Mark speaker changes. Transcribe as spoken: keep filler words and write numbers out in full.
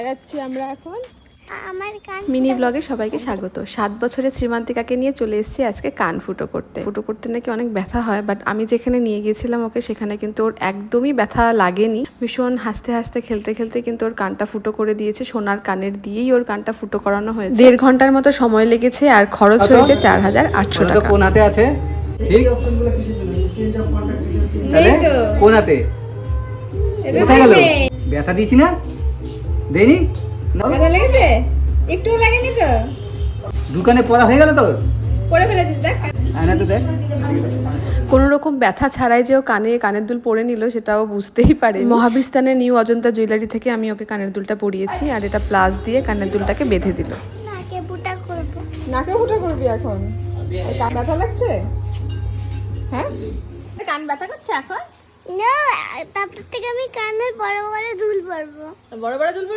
Speaker 1: যাচ্ছি আমরা এখন
Speaker 2: আমার কান
Speaker 3: মিনি ব্লগে সবাইকে স্বাগত। সাত বছরের শ্রীমান্তিকাকে নিয়ে চলে এসেছি আজকে কান ফুটো করতে। ফুটো করতে নাকি অনেক ব্যথা হয়, বাট আমি যেখানে নিয়ে গিয়েছিলাম ওকে সেখানে কিন্তু ওর একদমই ব্যথা লাগেনি। ভীষণ হাসতে হাসতে খেলতে খেলতে কিন্তু ওর কানটা ফুটো করে দিয়েছে। সোনার কানের দিয়েই ওর কানটা ফুটো করানো হয়েছে। দেড় ঘন্টার মতো সময় লেগেছে আর খরচ হয়েছে চার হাজার আটশো টাকা।
Speaker 4: কোন হাতে আছে? ঠিক তাহলে কোন হাতে? কোথায় গেল? ব্যথা দিয়েছি না? দেইনি?
Speaker 1: ব্যথা লেগেছে? একটুও লাগেনি তো?
Speaker 4: দোকানে পড়া হয়ে গেল তোর?
Speaker 1: পড়ে ফেলেছিস দেখ।
Speaker 4: আয়না তো দেখ।
Speaker 3: কোনো রকম ব্যথা ছাড়াই যে ও কানে কানের দুল পরে নিল সেটাও বুঝতেই পারে। মহাবিস্তানের নিউ অজন্তা জুয়েলারি থেকে আমি ওকে কানের দুলটা পরিয়েছি, আর এটা প্লাস দিয়ে কানের দুলটাকে বেঁধে দিল।
Speaker 2: নাকে ফুটা করব।
Speaker 1: নাকে ফুটা করবি এখন? কান ব্যথা লাগছে? হ্যাঁ, কান ব্যথা করছে এখন?
Speaker 2: না, তারপর থেকে আমি কানের বড় বড় দুল পরবো।
Speaker 1: বড় বড় দুল